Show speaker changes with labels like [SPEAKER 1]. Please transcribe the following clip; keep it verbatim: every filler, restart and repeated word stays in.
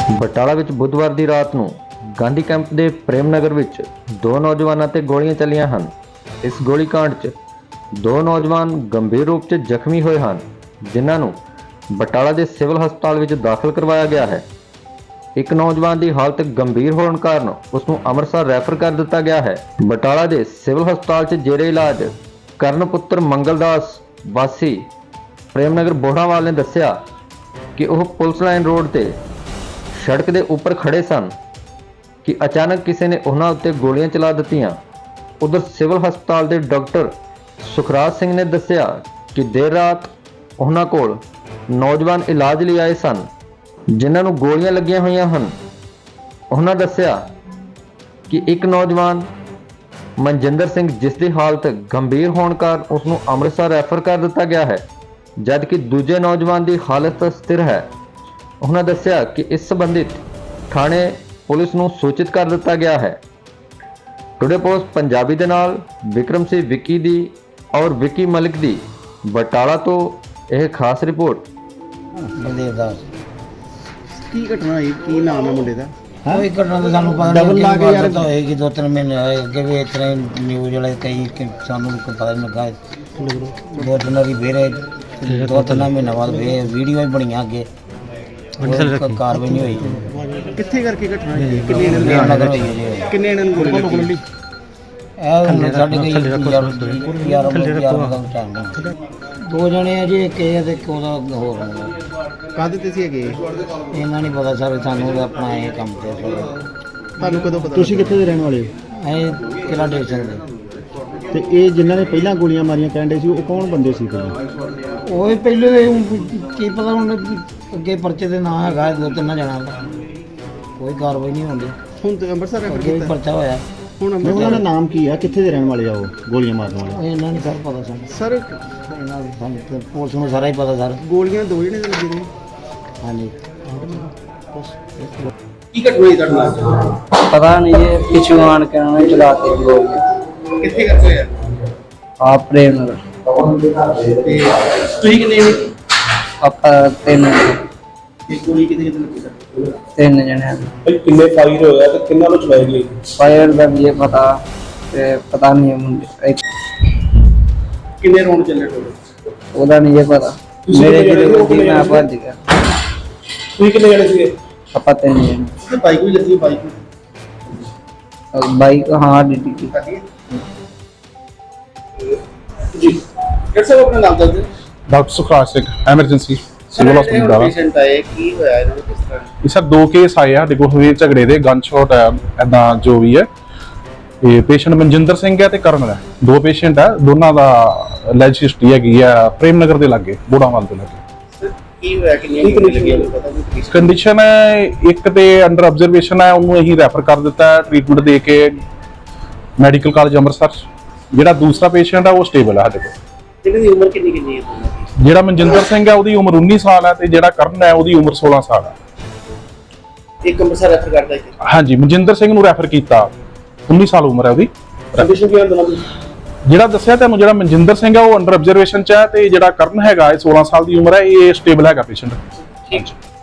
[SPEAKER 1] ਬਟਾਲਾ ਵਿੱਚ ਬੁੱਧਵਾਰ ਦੀ ਰਾਤ ਨੂੰ ਗਾਂਧੀ ਕੈਂਪ ਦੇ ਪ੍ਰੇਮ ਨਗਰ ਵਿੱਚ ਦੋ ਨੌਜਵਾਨਾਂ ਤੇ ਗੋਲੀਆਂ ਚੱਲੀਆਂ ਹਨ। ਇਸ ਗੋਲੀकांड 'ਚ ਦੋ ਨੌਜਵਾਨ ਗੰਭੀਰ ਰੂਪ 'ਚ ਜ਼ਖਮੀ ਹੋਏ ਹਨ, ਜਿਨ੍ਹਾਂ ਨੂੰ ਬਟਾਲਾ ਦੇ ਸਿਵਲ ਹਸਪਤਾਲ ਵਿੱਚ ਦਾਖਲ ਕਰਵਾਇਆ ਗਿਆ ਹੈ। ਇੱਕ ਨੌਜਵਾਨ ਦੀ ਹਾਲਤ ਗੰਭੀਰ ਹੋਣ ਕਾਰਨ ਉਸ ਨੂੰ ਅੰਮ੍ਰਿਤਸਰ ਰੈਫਰ ਕਰ ਦਿੱਤਾ ਗਿਆ ਹੈ। ਬਟਾਲਾ ਦੇ ਸਿਵਲ ਹਸਪਤਾਲ 'ਚ ਜੇਰੇ ਇਲਾਜ ਕਰਨ ਪੁੱਤਰ ਮੰਗਲਦਾਸ ਵਾਸੀ ਪ੍ਰੇਮ ਨਗਰ ਬੋੜਾਵਾਲ ਨੇ ਦੱਸਿਆ ਕਿ ਉਹ ਪੁਲਿਸ ਲਾਈਨ ਰੋਡ ਤੇ सड़क के उपर खड़े सन कि अचानक किसी ने उन्हां उत्ते गोलियां चला दित्तियां। उधर सिविल हस्पताल के डॉक्टर सुखराज सिंह ने दस्सिया कि देर रात उन्हां कोल नौजवान इलाज लिए आए सन, जिन्हां नूं गोलियां लगियां होईयां हन। उन्हां दस्सिया कि एक नौजवान मनजिंदर सिंह जिसकी हालत गंभीर होने कारण उसनूं अमृतसर रैफर कर दिता गया है, जबकि दूजे नौजवान की हालत स्थिर है। उन्होंने दस्सिया कि इस संबंधित थाने पुलिस नूं सूचित कर दिता गया है। टुडे पोस्ट पंजाबी दे नाल विक्रम सिंह विक्की दी और विक्की मलिक दी बटाला तो यह खास रिपोर्ट।
[SPEAKER 2] बलदेव दास
[SPEAKER 3] की घटना है, की नाम है मुंडे दा?
[SPEAKER 2] कोई घटना तो सानू पता
[SPEAKER 3] डबल ला के यार
[SPEAKER 2] तो होएगी, दो तीन महीने होए अगे भी इतने न्यूज़ वाले कई कि सानू कोई पता नहीं लगा। दो तीन बारी फिर दो तीन महीने बाद फिर वीडियो भी बनियां अगे कार्रवाई नहीं हुई।
[SPEAKER 3] कित्थे करके घटना है? किन्ने ने
[SPEAKER 2] नगर होई है जी,
[SPEAKER 3] किन्ने ने गोली लगी?
[SPEAKER 2] ਇਹ ਹੁਣ ਸਾਡੇ ਕੋਈ ਯਾਰ ਯਾਰ ਯਾਰ ਦਾ ਟਾਈਮ ਨਹੀਂ। ਦੋ ਜਣੇ ਆ ਜੀ, ਇੱਕ ਇਹ ਤੇ ਇੱਕ ਉਹਦਾ ਹੋਰ ਆ।
[SPEAKER 3] ਕਾਹਦੇ ਤੇ ਸੀ ਹੈਗੇ?
[SPEAKER 2] ਇਹਨਾਂ ਨਹੀਂ ਪਤਾ ਸਰ, ਸਾਨੂੰ ਤਾਂ ਆਪਣਾ ਇਹ ਕੰਮ ਤੇ ਫਿਰ।
[SPEAKER 3] ਤੁਹਾਨੂੰ ਕਦੋਂ ਪਤਾ? ਤੁਸੀਂ ਕਿੱਥੇ ਦੇ ਰਹਿਣ ਵਾਲੇ ਹੋ?
[SPEAKER 2] ਇਹ ਕਿਹੜਾ ਡਿਵੀਜ਼ਨ ਦੇ।
[SPEAKER 3] ਤੇ ਇਹ ਜਿਨ੍ਹਾਂ ਨੇ ਪਹਿਲਾਂ ਗੋਲੀਆਂ ਮਾਰੀਆਂ ਕਹਿੰਦੇ ਸੀ, ਉਹ ਕੌਣ ਬੰਦੇ ਸੀ ਪਹਿਲਾਂ?
[SPEAKER 2] ਉਹ ਹੀ ਪਹਿਲੇ ਦੇ ਕੀ ਪਤਾ ਹੁਣ ਅੱਗੇ ਪਰਚੇ ਦੇ ਨਾਂ ਹੈਗਾ ਦੋ ਤਿੰਨ ਜਣਾ ਦਾ, ਕੋਈ ਕਾਰਵਾਈ ਨਹੀਂ ਹੁੰਦੀ।
[SPEAKER 3] ਹੁਣ ਤੇ ਅੰਮ੍ਰਿਤਸਰ ਰੈਫਰ
[SPEAKER 2] ਅੱਗੇ ਵੀ
[SPEAKER 3] ਕੀਤਾ।
[SPEAKER 2] ਪਰਚਾ ਹੋਇਆ।
[SPEAKER 3] ਹੁਣ
[SPEAKER 4] ਉਹਨਾਂ ਦਾ
[SPEAKER 3] ਅੰਮ੍ਰਿਤਸਰ
[SPEAKER 4] ਨਾਮ ਕੀ ਆ, ਕਿੱਥੇ ਦੇ ਰਹਿਣ ਵਾਲੇ ਆ ਉਹ ਗੋਲੀਆਂ ਮਾਰਨ ਵਾਲੇ?
[SPEAKER 2] ਇਹਨਾਂ ਨਹੀਂ ਸਰ ਪਤਾ ਸਾਨੂੰ।
[SPEAKER 3] ਸਰ
[SPEAKER 2] ਇਹਨਾਂ ਦੀ ਸਾਨੂੰ ਤੇ ਪੁਲਿਸ ਨੂੰ ਸਾਰਾ ਹੀ ਪਤਾ ਸਰ।
[SPEAKER 3] ਗੋਲੀਆਂ ਦੋ ਜਣੇ ਤੇ ਲੱਗੇ ਨੇ।
[SPEAKER 2] ਹਾਂਜੀ
[SPEAKER 3] ਕੀ ਘਟਨਾ ਹੋਈ ਤੁਹਾਡੇ ਨਾਲ?
[SPEAKER 5] पता नहीं ये पिछू आन के उन्होंने चलाते लोग
[SPEAKER 3] ਕਿੱਥੇ ਕਰਦੇ ਹੋਇਆ?
[SPEAKER 5] आप प्रेम नगर
[SPEAKER 3] ਤੇ ਤੁਸੀਂ ਕਿੰਨੇ ਨੇ?
[SPEAKER 5] आप तीन
[SPEAKER 3] ਇਹ ਗੋਲੀ ਕਿਤੇ ਕਿਤੇ ਲੱਗੀ ਸਰ?
[SPEAKER 5] तीन जने
[SPEAKER 6] भाई किन्ने फायर होया ते किन्ना नु चलाई गई?
[SPEAKER 5] फायर का ये पता ते पता नहीं है मुझे,
[SPEAKER 3] ਕਿੰਨੇ ਰੌਂਡ ਚੱਲੇ ਟੋਟਲ?
[SPEAKER 5] ਉਹਦਾ नहीं ये पता। मेरे जिले में मैं भज गया।
[SPEAKER 6] ਤੁਸੀਂ ਕਿੰਨੇ ਜਣੇ ਸੀਗੇ?
[SPEAKER 5] ਆਪਾਂ तीन जने।
[SPEAKER 3] ਤੇ ਬਾਈਕ ਵੀ ਲੱਗੀ, ਬਾਈਕ ਵੀ
[SPEAKER 5] बाइक हाँ ड्यूटी की।
[SPEAKER 3] ਕੱਢੀ ਹੈ ਜੀ। ਕਿਹੜਾ ਸਰ ਆਪਣਾ ਨਾਮ ਦੱਸ ਦਿਓ।
[SPEAKER 6] Doctor Sukhraj Singh, emergency civil ਹਸਪਤਾਲ ਦਾ।
[SPEAKER 3] ਪੇਸ਼ੈਂਟ ਆਏ, ਕੀ ਹੋਇਆ ਇਹਨਾਂ ਨੂੰ, ਕਿਸ ਤਰ੍ਹਾਂ?
[SPEAKER 6] ਇਹ ਸਰ ਦੋ ਕੇਸ ਆਏ ਆ ਸਾਡੇ ਕੋਲ ਹੋਏ ਝਗੜੇ ਦੇ, ਗਨ ਸ਼ਾਟ ਹੈ ਐਦਾਂ ਜੋ ਵੀ ਹੈ। ਇਹ ਪੇਸ਼ੈਂਟ ਮਨਜਿੰਦਰ ਸਿੰਘ ਹੈ ਤੇ ਕਰਨ ਹੈ, ਦੋ ਪੇਸ਼ੈਂਟ ਹੈ। ਦੋਨਾਂ ਦਾ ਲੈਜ ਹਿਸਟਰੀ ਹੈਗੀ ਆ ਪ੍ਰੇਮ ਨਗਰ ਦੇ ਲਾਗੇ, ਬੋੜਾਵਾਲ ਦੇ ਲਾਗੇ।
[SPEAKER 3] ਕੀ ਹੋਇਆ, ਕਿੰਨੀਆਂ ਗੋਲੀਆਂ ਲੱਗੀਆਂ ਪਤਾ ਨਹੀਂ?
[SPEAKER 6] ਕੰਡੀਸ਼ਨ ਹੈ ਇੱਕ ਤੇ ਅੰਡਰ ਆਬਜ਼ਰਵੇਸ਼ਨ ਹੈ, ਉਹਨੂੰ ਅਸੀਂ ਰੈਫਰ ਕਰ ਦਿੱਤਾ ਹੈ ਟ੍ਰੀਟਮੈਂਟ ਦੇ ਕੇ ਮੈਡੀਕਲ ਕਾਲਜ ਅੰਮ੍ਰਿਤਸਰ। ਜਿਹੜਾ ਦੂਸਰਾ ਪੇਸ਼ੈਂਟ ਹੈ ਉਹ ਸਟੇਬਲ ਹੈ ਸਾਡੇ ਕੋਲ।
[SPEAKER 3] ਇਹਨਾਂ ਦੀ ਉਮਰ ਕਿੰਨੀ ਕਿੰਨੀ ਹੈ?
[SPEAKER 6] ਜਿਹੜਾ ਮਨਜਿੰਦਰ ਸਿੰਘ ਹੈ ਉਹਦੀ ਉਮਰ ਉੱਨੀ ਸਾਲ ਹੈ ਤੇ ਜਿਹੜਾ ਕਰਨ ਹੈ ਉਹਦੀ ਉਮਰ ਸੋਲਾਂ ਸਾਲ ਹੈ।
[SPEAKER 3] ਇੱਕ ਅੰਮ੍ਰਿਤਸਰ ਰੈਫਰ ਕਰਦਾ ਹੈ।
[SPEAKER 6] ਹਾਂਜੀ, ਮਨਜਿੰਦਰ ਸਿੰਘ ਨੂੰ ਰੈਫਰ ਕੀਤਾ, ਉੱਨੀ ਸਾਲ ਉਮਰ ਹੈ ਉਹਦੀ।
[SPEAKER 3] ਕੰਡੀਸ਼ਨ ਕੀ ਹੁੰਦਾ ਨਾ?
[SPEAKER 6] ਜਿਹੜਾ ਦੱਸਿਆ ਤੁਹਾਨੂੰ, ਜਿਹੜਾ ਮਨਜਿੰਦਰ ਸਿੰਘ ਹੈ ਉਹ ਅੰਡਰ ਆਬਜ਼ਰਵੇਸ਼ਨ ਚ ਹੈ ਤੇ ਜਿਹੜਾ ਕਰਨ ਹੈਗਾ ਇਹ ਸੋਲਾਂ ਸਾਲ ਦੀ ਉਮਰ ਹੈ, ਇਹ ਸਟੇਬਲ ਹੈਗਾ ਪੇਸ਼ੈਂਟ।
[SPEAKER 3] ਠੀਕ।